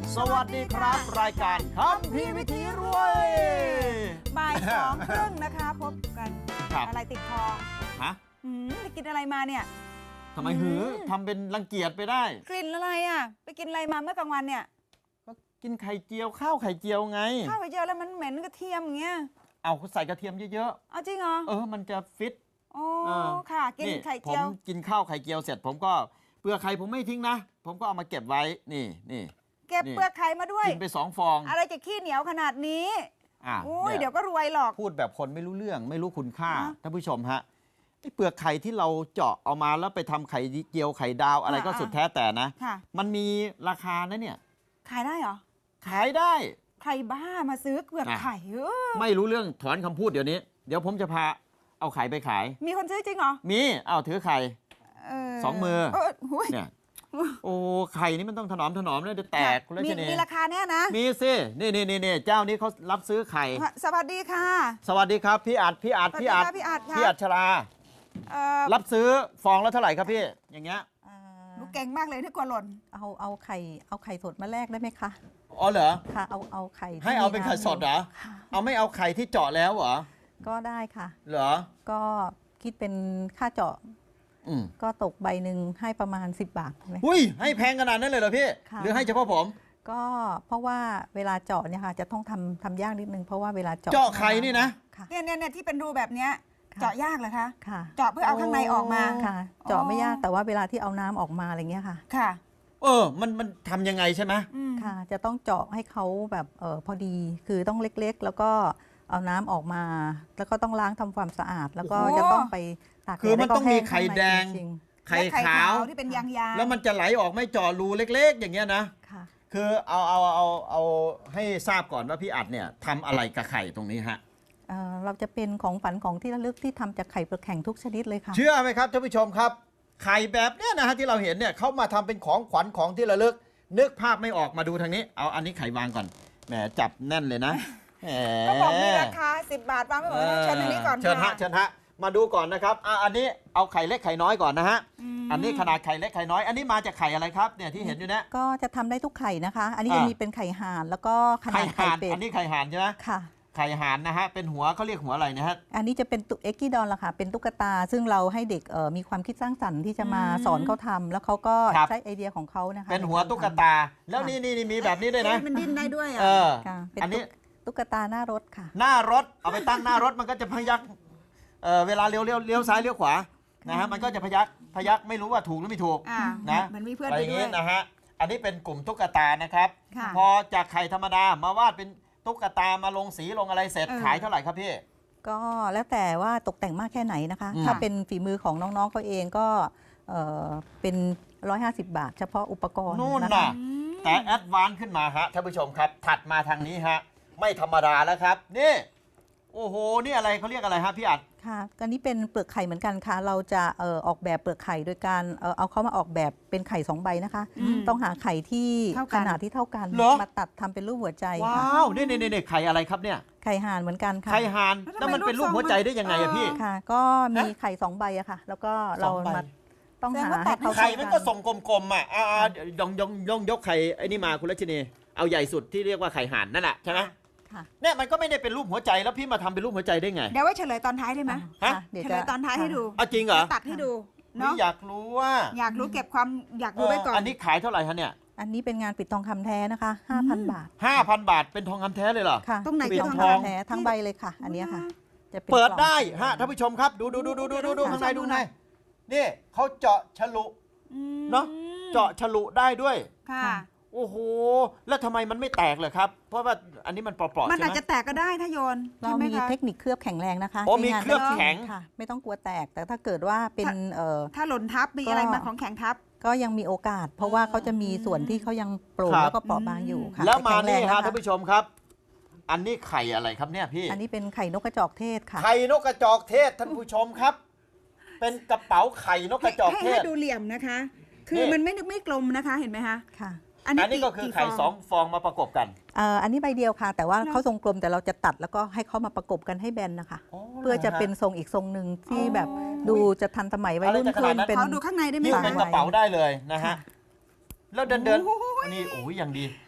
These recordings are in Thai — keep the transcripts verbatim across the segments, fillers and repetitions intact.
สวัสดีครับรายการคัมภีร์วิถีรวยบ่ายสองครึ่งนะคะพบกันอะไรติดคอฮะไปกินอะไรมาเนี่ยทำไมหือทำเป็นรังเกียจไปได้กลิ่นอะไรอ่ะไปกินอะไรมาเมื่อกลางวันเนี่ยก็กินไข่เจียวข้าวไข่เจียวไงข้าวไข่เจียวแล้วมันเหม็นกระเทียมอย่างเงี้ยเอาใส่กระเทียมเยอะๆเอาจริงเหรอเออมันจะฟิตโอ้ค่ะกินไข่เจียวผมกินข้าวไข่เจียวเสร็จผมก็เปลือกไข่ผมไม่ทิ้งนะผมก็เอามาเก็บไว้นี่นี่เก็บเปลือกไข่มาด้วยกินไปสองฟองอะไรจะขี้เหนียวขนาดนี้โอ้ยเดี๋ยวก็รวยหรอกพูดแบบคนไม่รู้เรื่องไม่รู้คุณค่าท่านผู้ชมฮะไอ้เปลือกไข่ที่เราเจาะเอามาแล้วไปทำไข่เจียวไข่ดาวอะไรก็สุดแท้แต่นะมันมีราคานะเนี่ยขายได้เหรอขายได้ใครบ้ามาซื้อเปลือกไข่ไม่รู้เรื่องถอนคำพูดเดี๋ยวนี้เดี๋ยวผมจะพาเอาไข่ไปขายมีคนซื้อจริงเหรอมีเอาถือไข่สองมือเนี่ยโอ้ไข่นี่มันต้องถนอมถนอมเลยจะแตกคุณรัชนีมีราคาแน่นะมีสินี่นี่นี่เจ้านี้เขารับซื้อไข่สวัสดีค่ะสวัสดีครับพี่อัดพี่อัดพี่อัดพี่อัดชลารับซื้อฟองแล้วเท่าไหร่ครับพี่อย่างเงี้ยลูกเก่งมากเลยที่กลัวหล่นเอาเอาไข่เอาไข่สดมาแลกได้ไหมคะอ๋อเหรอค่ะเอาเอาไข่ให้เอาเป็นไข่สดเหรอเอาไม่เอาไข่ที่เจาะแล้วเหรอก็ได้ค่ะเหรอก็คิดเป็นค่าเจาะก็ตกใบหนึ่งให้ประมาณสิบบาทไหมอุ้ยให้แพงขนาดนั้นเลยเหรอพี่หรือให้เฉพาะผมก็เพราะว่าเวลาเจาะเนี่ยค่ะจะต้องทำทำยากนิดนึงเพราะว่าเวลาเจาะเจาะไข่นี่นะเนี่ยเนี่ยที่เป็นรูแบบเนี้ยเจาะยากเหรอคะค่ะเจาะเพื่อเอาข้างในออกมาค่ะเจาะไม่ยากแต่ว่าเวลาที่เอาน้ำออกมาอะไรเงี้ยค่ะค่ะเออมันมันทำยังไงใช่ไหมค่ะจะต้องเจาะให้เขาแบบเออพอดีคือต้องเล็กๆแล้วก็เอาน้ำออกมาแล้วก็ต้องล้างทำความสะอาดแล้วก็จะต้องไปตากคือมันต้องมีไข่แดงไข่ขาวที่เป็นยางๆแล้วมันจะไหลออกไม่เจาะรูเล็กๆอย่างเงี้ยนะค่ะคือเอาเอาเอาเอาให้ทราบก่อนว่าพี่อัดเนี่ยทำอะไรกับไข่ตรงนี้ฮะเอ่อเราจะเป็นของฝันของที่ระลึกที่ทำจากไข่เปลือกแข็งทุกชนิดเลยค่ะเชื่อไหมครับท่านผู้ชมครับไข่แบบเนี้ยนะฮะที่เราเห็นเนี่ยเขามาทำเป็นของขวัญของที่ระลึกนึกภาพไม่ออกมาดูทางนี้เอาอันนี้ไข่วางก่อนแหมจับแน่นเลยนะก็บอกมีราคาสิบบาทวางไม่หมดเชิญทางนี้ก่อนเชิญฮะเชิญฮะมาดูก่อนนะครับอ่ะอันนี้เอาไข่เล็กไข่น้อยก่อนนะฮะอันนี้ขนาดไข่เล็กไข่น้อยอันนี้มาจากไข่อะไรครับเนี่ยที่เห็นอยู่เนี่ยก็จะทำได้ทุกไข่นะคะอันนี้จะมีเป็นไข่ห่านแล้วก็ขนาดไข่เป็ดอันนี้ไข่ห่านใช่ไหมค่ะไข่ห่านนะฮะเป็นหัวเขาเรียกหัวอะไรนะฮะอันนี้จะเป็นตุ๊กเอ็กกี้ดอลล่ะค่ะเป็นตุ๊กตาซึ่งเราให้เด็กมีความคิดสร้างสรรค์ที่จะมาสอนเขาทำแล้วเขาก็ใช้ไอเดียของเขานะคะเป็นหัวตุ๊กตาแล้วนี่นี่มีแบบนี้ด้วยนะมันดิ้นได้ด้วยอ่ะอันนี้ตุ๊กตาหน้ารถค่ะหน้ารถเอาไปตั้งหน้ารถมันก็จะพยักเวลาเลี้ยวเลี้ยวเลี้ยวซ้ายเลี้ยวขวานะฮะมันก็จะพยักพยักไม่รู้ว่าถูกหรือไม่ถูกนะมันมีเพื่อนไปด้วยนะฮะอันนี้เป็นกลุ่มตุ๊กตานะครับพอจากไข่ธรรมดามาวาดเป็นตุ๊กตามาลงสีลงอะไรเสร็จขายเท่าไหร่ครับพี่ก็แล้วแต่ว่าตกแต่งมากแค่ไหนนะคะถ้าเป็นฝีมือของน้องๆเขาเองก็เป็นหนึ่งร้อยห้าสิบบาทเฉพาะอุปกรณ์นู่นน่ะแต่แอดวานซ์ขึ้นมาฮะท่านผู้ชมครับถัดมาทางนี้ฮะไม่ธรรมดาแล้วครับนี่โอ้โหนี่อะไรเขาเรียกอะไรฮะพี่อัดค่ะอันนี้เป็นเปลือกไข่เหมือนกันค่ะเราจะเอ่อออกแบบเปลือกไข่โดยการเอ่อเอาเขามาออกแบบเป็นไข่สองใบนะคะต้องหาไข่ที่ขนาดที่เท่ากันมาตัดทำเป็นรูปหัวใจว้าวนี่นี่นี่ไข่อะไรครับเนี่ยไข่ห่านเหมือนกันค่ะไข่ห่านแล้วมันเป็นรูปหัวใจได้ยังไงอะพี่ค่ะก็มีไข่สองใบอะค่ะแล้วก็เรามาต้องหาให้เขาไข่มันก็ส่งกลมๆอ่ะอ่ายองยองยองยกไข่ไอ้นี่มาคุณรัชนีเอาใหญ่สุดที่เรียกว่าไข่ห่านนั่นแหละใช่ไหมเนี่ยมันก็ไม่ได้เป็นรูปหัวใจแล้วพี่มาทำเป็นรูปหัวใจได้ไงเดี๋ยวไว้เฉลยตอนท้ายได้ไหมฮะเฉลยตอนท้ายให้ดูอ๋อจริงเหรอตัดให้ดูเนาะอยากรู้ว่าอยากรู้เก็บความอยากรู้ไว้ก่อนอันนี้ขายเท่าไหร่คะเนี่ยอันนี้เป็นงานปิดทองคำแท้นะคะ ห้าพัน บาทห้าพัน บาทเป็นทองคำแท้เลยเหรอค่ะตรงไหนเป็นทองคำแท้ทั้งใบเลยค่ะอันนี้ค่ะจะเปิดได้ฮะท่านผู้ชมครับดูดูดูดูดูดูดูข้างในดูในนี่เขาเจาะฉลุเนาะเจาะฉลุได้ด้วยค่ะโอ้โหแล้วทำไมมันไม่แตกเลยครับเพราะว่าอันนี้มันเปราะๆมันอาจจะแตกก็ได้ถ้าโยนเรามีเทคนิคเคลือบแข็งแรงนะคะโอ้มีเคลือบแข็งค่ะไม่ต้องกลัวแตกแต่ถ้าเกิดว่าเป็นเอ่อถ้าหล่นทับมีอะไรมาของแข็งทับก็ยังมีโอกาสเพราะว่าเขาจะมีส่วนที่เขายังโปร่งแล้วก็เปราะบางอยู่ค่ะแล้วมานี่ฮะท่านผู้ชมครับอันนี้ไข่อะไรครับเนี่ยพี่อันนี้เป็นไข่นกกระจอกเทศค่ะไข่นกกระจอกเทศท่านผู้ชมครับเป็นกระเป๋าไข่นกกระจอกเทศให้ดูเหลี่ยมนะคะคือมันไม่ไม่กลมนะคะเห็นไหมคะค่ะอันนี้ก็คือไข่สองฟองมาประกบกันเอ่ออันนี้ใบเดียวค่ะแต่ว่าเขาทรงกลมแต่เราจะตัดแล้วก็ให้เขามาประกบกันให้แบนนะคะเพื่อจะเป็นทรงอีกทรงหนึ่งที่แบบดูจะทันสมัยวัยรุ่นขึ้นเป็นขอดูข้างในได้ไหมคะเป็นกระเป๋าได้เลยนะฮะแล้วเดินเดินอันนี้โอ้ยอย่างดี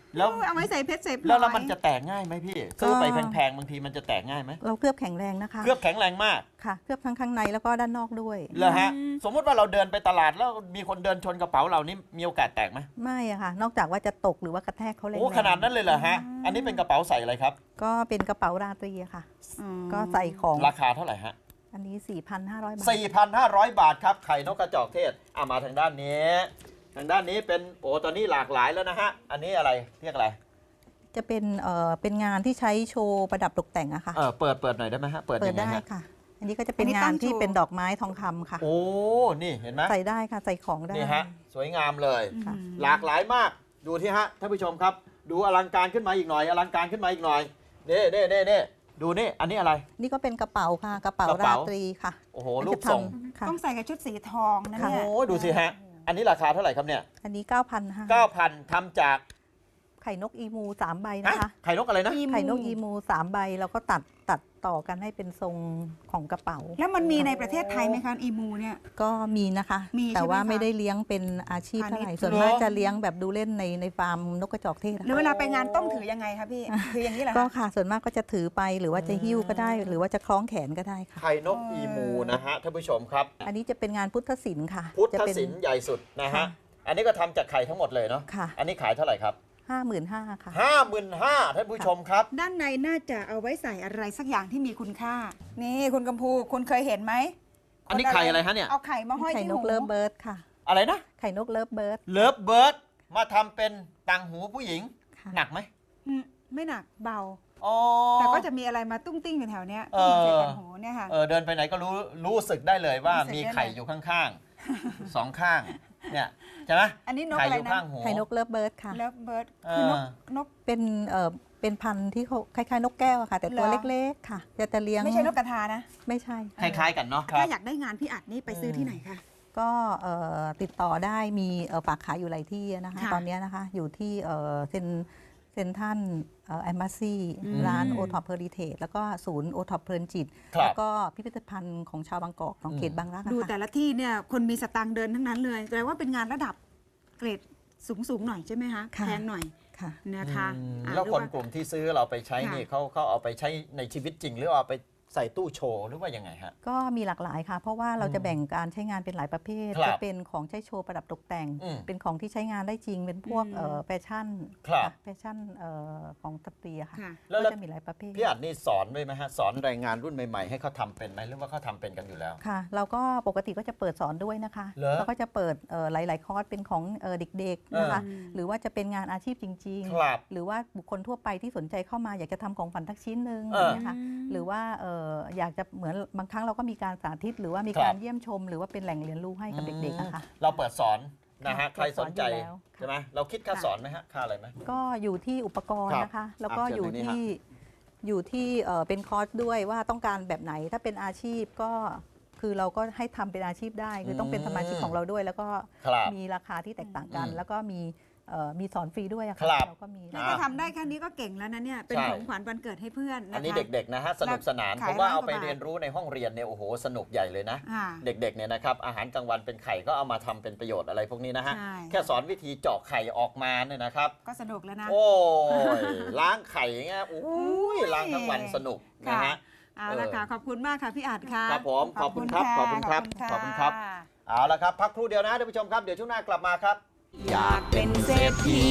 แล้วเอาไว้ใส่เพชรใส่พลอยแล้วแล้วมันจะแตกง่ายไหมพี่ซื้อไปแพงๆบางทีมันจะแตกง่ายไหมเราเคลือบแข็งแรงนะคะเคลือบแข็งแรงมากค่ะเคลือบทั้งข้างในแล้วก็ด้านนอกด้วยเหรอฮะสมมติว่าเราเดินไปตลาดแล้วมีคนเดินชนกระเป๋าเรานี่มีโอกาสแตกไหมไม่อะค่ะ นอกจากว่าจะตกหรือว่ากระแทกเขาแรงๆโอ้ขนาดนั้นเลยเหรอฮะอันนี้เป็นกระเป๋าใส่อะไรครับก็เป็นกระเป๋าราตรีอะค่ะอืมก็ใส่ของราคาเท่าไหร่ฮะอันนี้ สี่พันห้าร้อย บาทสี่พันห้าร้อย บาทครับไข่นกกระจอกเทศเอามาทางด้านนี้ ทางด้านนี้เป็นโอ้ตอนนี้หลากหลายแล้วนะฮะอันนี้อะไรเรียกอะไรจะเป็นเอ่อเป็นงานที่ใช้โชว์ประดับตกแต่งอะค่ะเออเปิดเปิดหน่อยได้ไหมฮะเปิดเปิยัดงไงได้ฮะค่ะ อันนี้ก็จะเป็นอันนี้งาตั้นงที่โชว์เป็นดอกไม้ทองคำค่ะโอ้นี่เห็นไหมใส่ได้ค่ะ ใส่ของได้นี่ฮะสวยงามเลยค่ะหลากหลายมากดูที่ฮะท่านผู้ชมครับ ดูอลังการขึ้นมาอีกหน่อยอลังการขึ้นมาอีกหน่อยเน่เน่เน่เน่ดูนี่อันนี้อะไรนี่ก็เป็นกระเป๋าค่ะ กระเป๋ากระราเป๋าตรีค่ะโอ้โหรูปทรงค่ะต้องใส่กับชุดสีทองนะโอ้เนี่ยโหดูสิฮะอันนี้ราคาเท่าไหร่ครับเนี่ยอันนี้ เก้าพันห้าเก้าพันทำจากไข่นกอีมูสามใบฮะนะคะไข่นกอะไรนะไข่นกอีมูสามใบแล้วก็ตัดตัดต่อกันให้เป็นทรงของกระเป๋าแล้วมันมีในประเทศไทยไหมคะอีมูเนี่ยก็มีนะคะมีแต่ว่าใช่ไหมคะไม่ได้เลี้ยงเป็นอาชีพเท่าไหร่พาณิชย์ส่วนมากจะเลี้ยงแบบดูเล่นในในฟาร์มนกกระจอกเทศหรือนะคะเวลาไปงานต้องถือยังไงคะพี่ ถืออย่างนี้เหรอก็คะค่ะ ส่วนมากก็จะถือไปหรือว่าจะหิ้วก็ได้ หรือว่าจะคล้องแขนก็ได้ค่ะไข่นกอีมูนะฮะท่านผู้ชมครับอันนี้จะเป็นงานพุทธศิลป์ค่ะพุทธจะเป็นศิลป์ใหญ่สุดนะฮะค่ะอันนี้ก็ทำจากไข่ทั้งหมดเลยเนาะค่ะอันนี้ขายเท่าไหร่ครับห้าหมื่นห้าค่ะห้าหมื่นห้าท่านผู้ชมครับด้านในน่าจะเอาไว้ใส่อะไรสักอย่างที่มีคุณค่า นี่คุณกัมพูคุณเคยเห็นไหมอันนี้ไข่อะไรฮะเนี่ยเอาไข่มาห้อยไข่ที่นหูกเลิฟเบิร์ดค่ะอะไรนะไข่นกเลิฟเบิร์ดเลิฟเบิร์ดมาทำเป็นต่างหูผู้หญิงค่ะหนักไหมอืมไม่หนักเบาอ๋อแต่ก็จะมีอะไรมาตุ้งติ้งอยู่แถวเนี้ยเออใส่กันหูเนี่ยค่ะเออเดินไปไหนก็รู้รู้สึกได้เลยว่ารู้สึกได้มีไข่อยู่ข้างๆ สองข้างเนี่ยใช่ไหมอันนี้นกไข่อะไรอยู่นะข้างหูไข่นกเลิฟเบิร์ดค่ะเลิฟเบิร์ดเออคือนกนกเป็นเอ่อเป็นพันธุ์ที่เขาคล้ายๆนกแก้วอะค่ะ แต่ตัวเหรอเล็กๆค่ะ จะจะเลี้ยงไม่ใช่นกกระทานะไม่ใช่คล้ายๆกันเนาะถ้าอยากได้งานพี่อัดนี่ไปซื้อที่ไหนคะก็เอ่อติดต่อได้มีเอ่อฝากขายอยู่หลายที่นะคะค่ะตอนเนี้ยนะคะอยู่ที่เอ่อเซนเซนทันแอมบาซีอืมร้านโอท็อปเพอริเทจแล้วก็ศูนย์โอท็อปเพลินจิตครับแล้วก็พิพิธภัณฑ์ของชาวบางกอกของอืมเขตบางรักอะดูค่ะแต่ละที่เนี่ยคนมีสตางค์เดินทั้งนั้นเลยแปลว่าเป็นงานระดับเกรดสูงสูงๆหน่อยใช่ไหมคะค่ะแพงหน่อยค่ะนะคะอืมอ่าแล้วเรียคนว่ากลุ่มที่ซื้อเราไปใช้ค่ะนี่เขาเขาเอาไปใช้ในชีวิตจริง หรือเอาไปใส่ตู้โชว์หรือว่ายังไงฮะก็มีหลากหลายค่ะ เพราะว่าเราจะแบ่งการใช้งานเป็นหลายประเภทครับจะเป็นของใช้โชว์ประดับตกแต่งอืมเป็นของที่ใช้งานได้จริง เป็นพวกอืมเอ่อแฟชั่นครับค่ะแฟชั่นเอ่อของสตรีอะค่ะค่ะแล้วก็แล้วจะมีหลายประเภทพี่อัดนี่สอนด้วยไหมฮะสอนแรงงานรุ่นใหม่ๆให้เขาทำเป็นไหมหรือว่าเขาทำเป็นกันอยู่แล้วค่ะ เราก็ปกติก็จะเปิดสอนด้วยนะคะเหรอแล้วก็จะเปิดเอ่อหลาย ๆ คอร์สเป็นของเอ่อเด็กๆนะคะเออหรือว่าจะเป็นงานอาชีพจริงครับๆ หรือว่าบุคคลทั่วไปที่สนใจเข้ามาอยากจะทำของฝันทักชิ้นหนึ่งเอออย่างเงี้ยค่ะ หรือว่าเอ่ออยากจะเหมือนบางครั้งเราก็มีการสาธิต หรือว่ามีครับการเยี่ยมชม หรือว่าเป็นแหล่งเรียนรู้ให้กับเด็กๆอะค่ะเราเปิดสอนนะฮะค่ะใครสนใจเปิดสอนอยู่แล้วใช่ไหมเราคิดค่าสอนไหมฮะค่าอะไรไหมก็อยู่ที่อุปกรณ์ครับนะคะ แล้วก็อ่ะเชิญอยู่ทางนี้ที่อยู่ที่เอ่อเป็นคอร์สด้วยว่าต้องการแบบไหนถ้าเป็นอาชีพก็คือเราก็ให้ทำเป็นอาชีพได้ คือต้องเป็นสมาชิกของเราด้วย แล้วก็ครับมีราคาที่แตกต่างกันอืมแล้วก็มีเอ่อมีสอนฟรีด้วยอะครัค่ะบเราก็มีนี่ถ้าทำได้แค่นี้ก็เก่งแล้วนะเนี่ย เป็นใช่ของขวัญวันเกิดให้เพื่อนนะคะอันนี้เด็กๆนะฮะสนุกสนานขายผมว่าร้อยเอาไปกว่าบาทเรียนรู้ในห้องเรียนเนี่ยโอ้โหสนุกใหญ่เลยนะอ่าเด็กๆเนี่ยนะครับอาหารกลางวันเป็นไข่ก็เอามาทำเป็นประโยชน์อะไรพวกนี้นะฮะใช่แค่สอนวิธีเจาะไข่ออกมาเนี่ยนะครับก็สนุกแล้วนะโอ้ยล้างไข่อย่างเงี้ยโอ้ยล้างทั้งวันสนุกนะฮะเอาละค่ะ ขอบคุณมากค่ะพี่อัดค่ะครับผมขอบคุณครับขอบคุณครับขอบคุณครับ เอาละครับพักครู่เดียวนะท่านผู้ชมครับเดี๋ยวช่วงหน้ากลับมาครับอยากเป็นเศรษฐี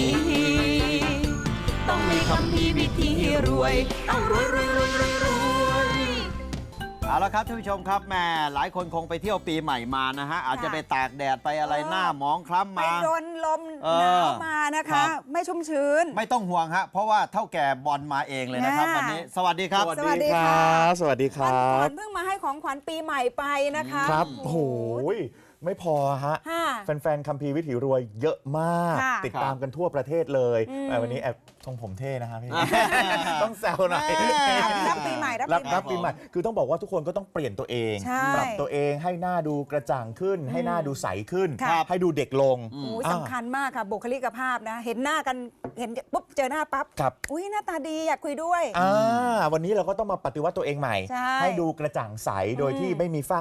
ต้องมีคำพีวิธีรวย ต้องรวยรวยรวยรวยรวยเอาละครับท่านผู้ชมครับแหม่หลายคนคงไปเที่ยวปีใหม่มานะฮะอาจจะไปตากแดดไปอะไรหน้าหมองคล้ำไปมาโดนลมเอหอนาวมานะครัคะบไม่ชุ่มชื้นไม่ต้องห่วงฮะเพราะว่าเท่าแก่บอลมาเองเลยนะครับน่าวันนี้สวัสดีครับสวัสดีค่ะสวัสดีควันรัก่อบ นเพิ่งมาให้ของขวัญปีใหม่ไปนะคะครับโอ้โอ้โหโหไม่พอฮะค่ะแฟนๆคัมภีร์วิถีรวยเยอะมากค่ะติดตามกันทั่วประเทศเลยอืมแต่วันนี้แอบทรงผมเท่นะฮะพี่ ต้องแซวหน่อยแม่รับปีใหม่รับรับปีใหม่รับปีใหม่ คือต้องบอกว่าทุกคนก็ต้องเปลี่ยนตัวเองใช่ปรับตัวเองให้หน้าดูกระจ่างขึ้น ให้หน้าดูใสขึ้นครับให้ดูเด็กลงโอ้ยอ่าสำคัญมากค่ะ บุคลิกภาพนะ เห็นหน้ากันเห็นปุ๊บเจอหน้าปั๊บครับอุ้ยหน้าตาดีอยากคุยด้วยอ่าวันนี้เราก็ต้องมาปฏิวัติตัวเองใหม่ใช่ให้ดูกระจ่างใสโดยที่อืมไม่มีฝ้ากระ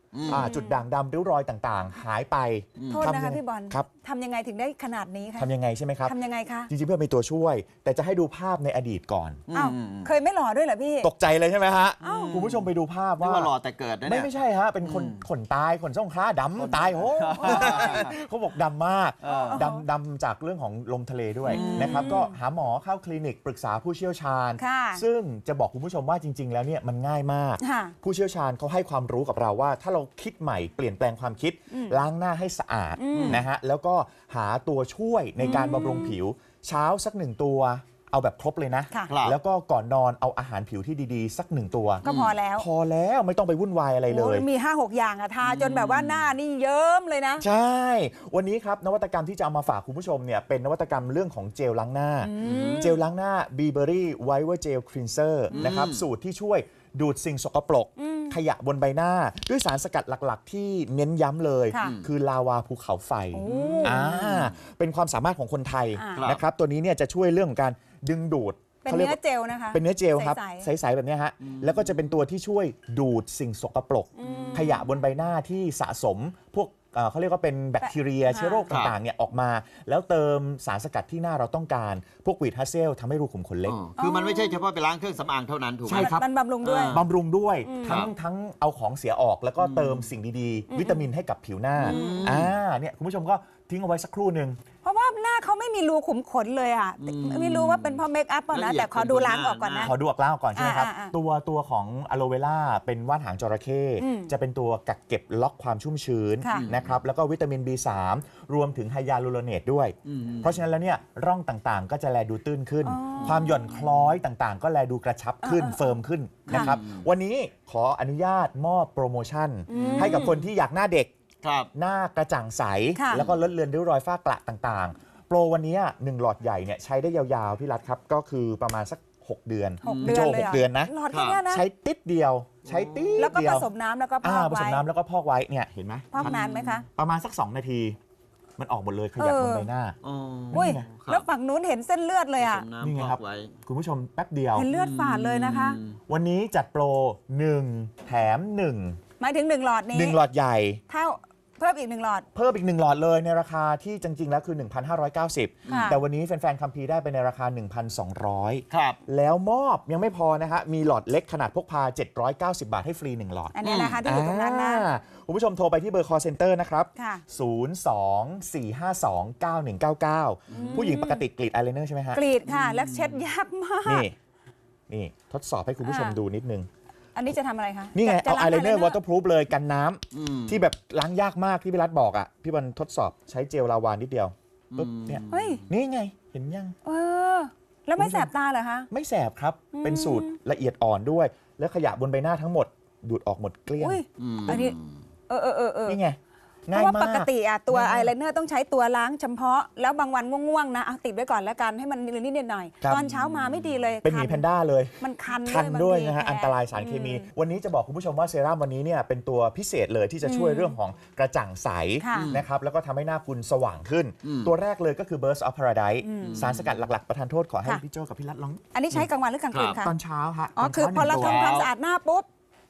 อืมอ่าจุดด่างดำริ้วรอยต่างๆ หายไปโทษนะคะทำยังไงพี่บอลครับทำยังไงถึงได้ขนาดนี้คะทำยังไงใช่ไหมครับทำยังไงคะจริงๆเพื่อเป็นตัวช่วย แต่จะให้ดูภาพในอดีตก่อนอ้าวเคยไม่หล่อด้วยเหรอพี่ตกใจเลยใช่ไหมฮะอ้าวคุณผู้ชมไปดูภาพนี่ว่าว่าหล่อแต่เกิดนะไม่เนี่ยไม่ใช่ฮะ เป็นคนอืมขนตายขนส่งคล้าดำตายโอ้ เขาบอกดำมากเออดำดำจากเรื่องของลมทะเลด้วยอืมนะครับก็หาหมอเข้าคลินิกปรึกษาผู้เชี่ยวชาญค่ะซึ่งจะบอกคุณผู้ชมว่าจริง ๆ แล้วเนี่ยมันง่ายมากค่ะผู้เชี่ยวชาญเขาให้ความรู้กับเราว่า ถ้าเราคิดใหม่เปลี่ยนแปลงความคิดอืมล้างหน้าให้สะอาดอืมนะฮะแล้วก็หาตัวช่วยในการบำรุงผิว เช้าสักหนึ่งตัวเอาแบบครบเลยนะค่ะครับแล้วก็ก่อนนอนเอาอาหารผิวที่ดีๆ สักหนึ่งตัวก็พอแล้วพอแล้วไม่ต้องไปวุ่นวายอะไรเลยโอ้มี ห้าหก อย่างอะทาจนแบบว่าหน้านี่เยิ้มเลยนะใช่ วันนี้ครับนวัตกรรมที่จะเอามาฝากคุณผู้ชมเนี่ยเป็นนวัตกรรมเรื่องของเจลล้างหน้า เจลล้างหน้า Burberry Whitener Gel Cleanser นะครับสูตรที่ช่วยดูดสิ่งสกปรก ขยะบนใบหน้า ด้วยสารสกัดหลักๆ ที่เน้นย้ำเลยค่ะคือลาวาภูเขาไฟโอ้อ่าเป็นความสามารถของคนไทยอ่านะครับตัวนี้เนี่ยจะช่วยเรื่องของการดึงดูดเป็นขารียกเนื้อว่าเจลนะคะเป็นเนื้อเจลครับใสๆใสๆแบบเนี้ยฮะแล้วก็จะเป็นตัวที่ช่วยดูดสิ่งสกปรก ขยะบนใบหน้าที่สะสมพวกเอ่อเขาเรียกว่าเป็นแบคทีเรียค่ะเชื้อโรคต่างๆเนี่ยออกมา แล้วเติมสารสกัดที่หน้าเราต้องการ พวกวีดฮัสเซลทำให้รูขุมขนเล็กอ๋อคือมันไม่ใช่เฉพาะไปล้างเครื่องสำอางเท่านั้นถูกไหมใช่ครับมันบำรุงด้วยอ่าบำรุงด้วยอืมทั้งครับทั้งเอาของเสียออกแล้วก็เติมสิ่งดีๆ วิตามินให้กับผิวหน้าอ่าเนี่ยคุณผู้ชมก็ทิ้งเอาไว้สักครู่หนึ่งเพราะว่าหน้าเขาไม่มีรูขุมขนเลยอ่ะอืมไม่รู้ว่าเป็นเพราะเมคอัพเปล่านะละเอียดแต่ขอดูล้างออกก่อนหนะน้าขอดูออกล่างก่อนใช่ไหมครับอ่าอ่าอ่าตัวตัวของอะโลเวล่าเป็นว่านหางจระเข้อืมจะเป็นตัวกักเก็บล็อกความชุ่มชื้นค่ะนะครับแล้วก็วิตามิน บี สาม รวมถึงไฮยาลูโรเนตด้วยอืมเพราะฉะนั้นแล้วเนี่ยร่องต่างๆ ก็จะแลดูตื้นขึ้นอ๋อความหย่อนคล้อยต่างๆ ก็แลดูกระชับขึ้นเออเออเฟิร์มขึ้นค่ะนะครับวันนี้ขออนุญาตมอบโปรโมชั่น ให้กับคนที่อยากหน้าเด็กครับหน้ากระจ่างใสค่ะแล้วก็ลดเลือนริ้วรอยฝ้ากระต่างๆ โปรวันนี้หนึ่งหลอดใหญ่เนี่ยใช้ได้ยาวๆ พี่รัฐครับ ก็คือประมาณสัก หก เดือนหกพี่เดือนโจเลยหหรกเดือนนะหลอดแค่เนี้ยนะใช้ติดเดียว ใช้ติดแล้วก็เดีผยวสมน้ำแล้วก็พอ่าอกผสไว้มน้ำแล้วก็พอกไว้เนี่ยเห็นไหมพอกนานไหมคะประมาณสัก สอง นาที มันออกหมดเลยขยับบนใบหน้าอ๋ออุ้ยครับแล้วฝั่งนู้นเห็นเส้นเลือดเลยอ่ะผสมนี่ไงน้ำครับพอกไว้คุณผู้ชมแป๊บเดียวเห็นเลือดฝาดเลยนะคะอืมวันนี้จัดโปรหนึ่งแถมหนึ่งหมายถึงหนึ่งหลอดนี้หนึ่งหลอดใหญ่เท่าเพิ่มอีกหนึ่งหลอดเพิ่มอีกหนึ่งหลอดเลยในราคาที่จริงๆแล้วคือ หนึ่งพันห้าร้อยเก้าสิบค่ะแต่วันนี้แฟนๆคัมภีร์ได้ไปในราคา หนึ่งพันสองร้อยครับแล้วมอบยังไม่พอนะฮะ มีหลอดเล็กขนาดพกพา เจ็ดร้อยเก้าสิบ บาทให้ฟรี หนึ่ง หลอดอันเนี้ยนะคะที่อยู่ตรงนั้นนะอ่าคุณผู้ชมโทรไปที่เบอร์ call center นะครับค่ะศูนย์ สอง สี่ ห้า สอง เก้า หนึ่ง เก้า เก้า ผู้หญิงปกติกรีดอายไลเนอร์ใช่ไหมฮะกรีดค่ะ แล้วเช็ดยากมากนี่ นี่ทดสอบให้คุณผู้ชมอ่าดูนิดนึงอันนี้จะทำอะไรคะนี่ไงจะเอาล้อายไลเนอร์ eyeliner waterproof เลยกันน้ำอืมที่แบบล้างยากมากที่พี่รัฐบอกอ่ะ พี่บอลทดสอบใช้เจลลาวานิดเดียวปุ๊บเนี่ยเฮ้ยนี่ไงเห็นยังเออ แล้วไม่แสบตาเหรอคะไม่แสบครับ เป็นสูตรละเอียดอ่อนด้วย แล้วขยะบนใบหน้าทั้งหมด ดูดออกหมดเกลี้ยงอุ้ยอืมอันนี้ เออเออเออเออนี่ไงเพง่ายราะว่าปมากกติอะตัวง่ายมากอายไลเนอร์ต้องใช้ตัวล้างเฉพาะ แล้วบางวันง่วงๆนะเอาติดไว้ก่อนแล้วกันให้มันนิดๆหน่อยครับๆตอนเช้ามาไม่ดีเลยเป็นหมีคัแพนด้าเลยมันคันคันด้วยบางทีนะฮะแพ้อันตรายสารเคมีอืมวันนี้จะบอกคุณผู้ชมว่าเซรั่มวันนี้เนี่ยเป็นตัวพิเศษเลยที่จะช่วยอืมเรื่องของกระจ่างใสค่ะนะครับแล้วก็ทำให้หน้าคุณสว่างขึ้นอืมตัวแรกเลยก็คือ Burst of Paradise อืมสารสกัดหลักๆ ประทานโทษขอให้ค่ะพี่โจกับพี่รัฐลองอันนี้ใช้กลางวันหรือกลางคืนครัคะบตอนเช้าฮะอ๋อตนคือช้าพอเราหนึ่งตัวทำความสะอาดหน้าปุ๊บบ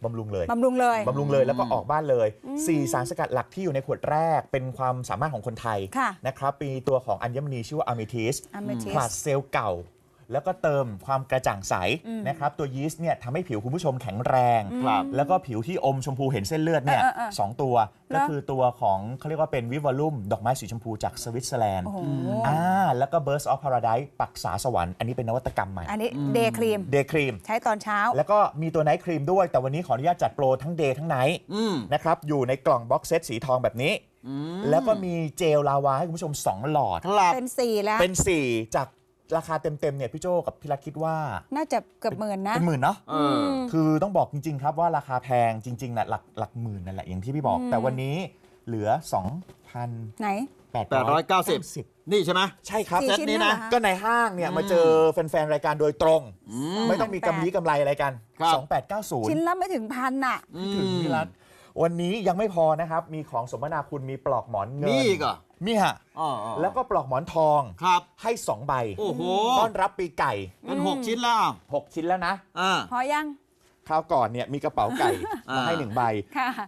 ำรุงเลยบำรุงเลยบำรุงเลยแล้วก็ออกบ้านเลย สี่ สารสกัดหลักที่อยู่ในขวดแรกเป็นความสามารถของคนไทยค่ะนะครับมีตัวของอัญมณีชื่อว่าอะเมทิส Amethyst ผลัดเซลล์เก่า แล้วก็เติมความกระจ่างใสอืมนะครับตัวยีสต์เนี่ยทำให้ผิวคุณผู้ชมแข็งแรงครับแล้วก็ผิวที่อมชมพูเห็นเส้นเลือดเนี่ยเออเออเออสองตัวแล้วก็คือตัวของเขาเรียกว่าเป็นวิวอลุ่มดอกไม้สีชมพูจากสวิตเซอร์แลนด์โอ้โหอ่าแล้วก็ Burst of Paradise ปักษาสวรรค์อันนี้เป็นนวัตกรรมใหม่อันนี้เดย์ครีมเดย์ครีมใช้ตอนเช้าแล้วก็มีตัวไนท์ครีมด้วย แต่วันนี้ขออนุญาตจัดโปรทั้งเดย์ทั้งไนท์อืมนะครับอยู่ในกล่องบ็อกเซตสีทองแบบนี้อืมแล้วก็มีเจลลาวาให้คุณผู้ชม สอง หลอดครับเป็นสี่แล้วเป็น สี่ จากราคาเต็ม ๆ เนี่ย พี่โจกับพี่รักคิดว่าน่าจะเกือบหมื่นนะเป็นหมื่นเนาะเออมคือต้องบอกจริง ๆ ครับว่าราคาแพงจริง ๆนะหลักหลักหมื่นนั่นแหละ อย่างที่พี่บอกอืมแต่วันนี้เหลือ สองพันไหนแปดแปดร้อยเก้าสิบ นี่ใช่ไหมใช่ครับสี่เซตชิ้นนี้เนี่ยนะเหรอคะก็ในห้างเนี่ย มาเจอแฟน ๆ รายการโดยตรงอืมไม่ต้องมีกำลีกำไรอะไรกันครับสองพันแปดร้อยเก้าสิบชิ้นละไม่ถึงพันอ่ะถึงพี่รัฐวันนี้ยังไม่พอนะครับ มีของสมนาคุณมีปลอกหมอนเงินมีอีกเหรอมีฮะอ๋ออ๋อแล้วก็ปลอกหมอนทองครับให้สองใบโอ้โหต้อนรับปีไก่เป็นหกชิ้นแล้วหก ชิ้นแล้วนะอ่าพอยังคราวก่อนเนี่ยมีกระเป๋าไก่อ่ามมาให้หนึ่งใบค่ะ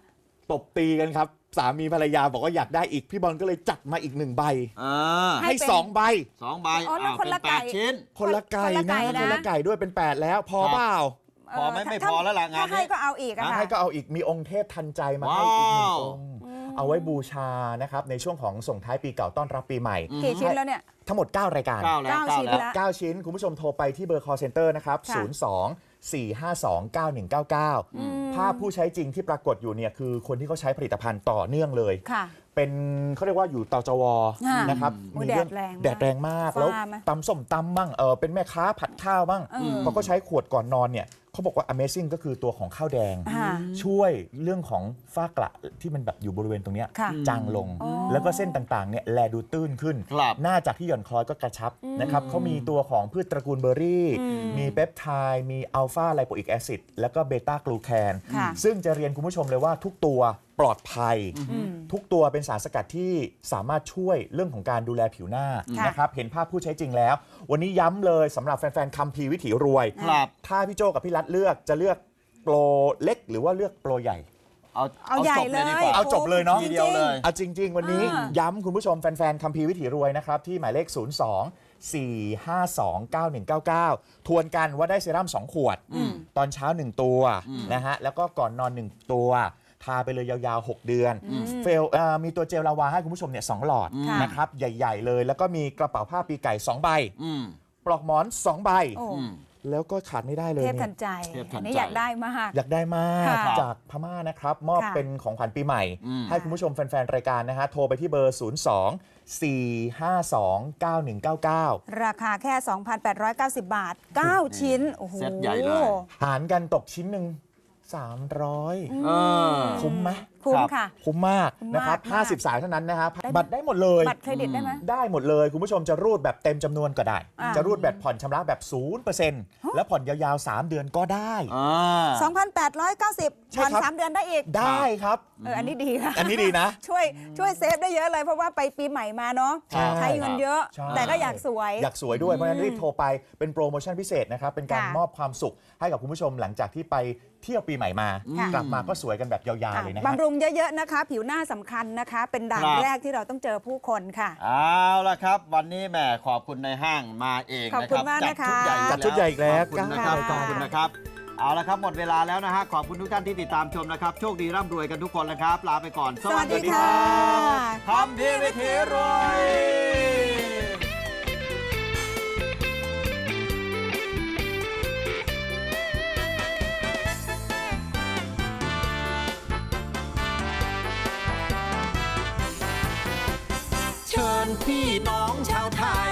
ตบตีกันครับ สามีภรรยาบอกว่าอยากได้อีกพี่บอลก็เลยจัดมาอีกหนึ่งใบอ่าให้สองใบสองใบอ๋อแล้วอ้าวคนละเป็นแปดไก่ชิ้นคนละไก่คนละไก่นะนะคนละไก่ด้วยเป็นแปดแล้วพอครับเปล่าพอไหมไม่ถ้าพอแล้วล่ะงานถ้าให้นี้ก็เอาอีกอะนะค่ะให้ก็เอาอีกมีองค์เทพทันใจมาให้อีกหนึ่งว้าวองค์เอาไว้บูชานะครับในช่วงของส่งท้ายปีเก่าต้อนรับปีใหม่กี่ชิ้นแล้วเนี่ยทั้งหมด เก้า รายการเก้าแล้วเก้าเก้าชิ้นแล้วละเก้า ชิ้น คุณผู้ชมโทรไปที่เบอร์ call center นะครับค่ะศูนย์ สอง สี่ ห้า สอง เก้า หนึ่ง เก้า เก้า ภาพผู้ใช้จริงที่ปรากฏอยู่เนี่ยคือคนที่เขาใช้ผลิตภัณฑ์ต่อเนื่องเลยค่ะเป็นเขาเรียกว่าอยู่เตาจวค่ะนะครับโอ้ยมีเรื่องแดดแรงมากแดดแรงมากฟ้าแล้วไหมตำส้มตำบ้างเออเป็นแม่ค้าผัดข้าวบ้างเออเขาก็ใช้ขวดก่อนนอนเนี่ยเขาบอกว่า Amazing ก็คือตัวของข้าวแดงค่ะช่วยเรื่องของฝ้ากระที่มันแบบอยู่บริเวณตรงเนี้ยค่ะจางลงอ๋อแล้วก็เส้นต่างๆเนี่ยแลดูตื้นขึ้นครับหน้าจากที่หย่อนคล้อยก็กระชับนะครับเขามีตัวของพืชตระกูลเบอร์รี่ มีเปปไทด์มีอัลฟาไลโปอิกแอซิดแล้วก็เบต้ากลูแคนค่ะซึ่งจะเรียนคุณผู้ชมเลยว่าทุกตัวปลอดภัย ทุกตัวเป็นสารสกัดที่สามารถช่วยเรื่องของการดูแลผิวหน้าค่ะนะครับเห็นภาพผู้ใช้จริงแล้ว วันนี้ย้ำเลยสำหรับแฟนๆคัมภีร์วิถีรวยครับถ้าพี่โจกับพี่รัฐเลือกจะเลือกโปรเล็กหรือว่าเลือกโปรใหญ่เอาเอาใหญ่จบเลยดีกว่าเลยเอาจบเลยเนาะทีเดียวเลยเอาจริง ๆ วันนี้อ่าย้ำคุณผู้ชมแฟนๆคัมภีร์วิถีรวยนะครับ ที่หมายเลข ศูนย์ สอง สี่ ห้า สอง เก้า หนึ่ง เก้า เก้า ทวนกันว่าได้เซรั่มสองขวด ตอนเช้าหนึ่งตัวนะฮะแล้วก็ก่อนนอนหนึ่งตัว ทาไปเลยยาวๆ หก เดือนเฟลเอ่อมีตัวเจลลาวาให้คุณผู้ชมเนี่ยสองหลอดค่ะนะครับใหญ่ๆเลย แล้วก็มีกระเป๋าผ้าปีไก่สองใบอืมปลอกหมอนสองใบโอ้อืมแล้วก็ขาดไม่ได้เลยเทพเนี่ทัยนใจเทพทันใจอันนี้อยากได้มากอยากได้มากค่ะจากพม่านะครับ มอบค่ะเป็นของขวัญปีใหม่อืมให้คุณผู้ชมแฟน ๆ รายการนะฮะ โทรไปที่เบอร์ ศูนย์ สอง สี่ ห้า สอง เก้า หนึ่ง เก้า เก้าราคาแค่ สองพันแปดร้อยเก้าสิบ บาท เก้า ชิ้น โอ้โหเซ็ตใหญ่เลยหารกันตกชิ้นหนึ่งสามร้อยเออคุ้มไหมคุ้มครับค่ะคุ้มมากคุ้มมากนะครับมากห้าสิบ สายเท่านั้นนะครับได้ไหมบัตรได้หมดเลยบัตรเครดิตได้ไหมได้หมดเลย คุณผู้ชมจะรูดแบบเต็มจำนวนก็ได้อ่าจะรูดแบบผ่อนชำระแบบ ศูนย์เปอร์เซ็นต์ แล้วผ่อนยาวๆ สาม เดือนก็ได้อ่าสองพันแปดร้อยเก้าสิบใช่ผ่อนครับสามเดือนได้อีกได้ครับเออ อันนี้ดีค่ะอันนี้ดีนะช่วยช่วยเซฟได้เยอะเลยเพราะว่าไปปีใหม่มาเนาะใช่ใช้เงินเยอะใช่แต่ก็อยากสวยอยากสวยด้วย เพราะฉะนั้นรีบโทรไปเป็นโปรโมชั่นพิเศษนะครับ เป็นการค่ะมอบความสุขให้กับคุณผู้ชมหลังจากที่ไปเที่ยวปีใหม่มาค่ะกลับมาก็สวยกันแบบยาวๆเลยนะคบำรับรุงเยอะๆนะคะ ผิวหน้าสำคัญนะคะ เป็นด่านครับแรกที่เราต้องเจอผู้คนค่ะเอาละครับ วันนี้แหมขอบคุณในห้างมาเองขอบนะคุคณรับมากจัดนะคะชุดใหญ่จัดชุดใหญ่อีกแล้วขอบคุณนะครับค่ะขอบคุณนะครับ เอาละครับหมดเวลาแล้วนะฮะขอบคุณทุกท่านที่ติดตามชมนะครับ โชคดีร่ำรวยกันทุกคนนะครับ ลาไปก่อนสวัสดีค่ะคำพีวิถีรวยเชิญพี่น้องชาวไทย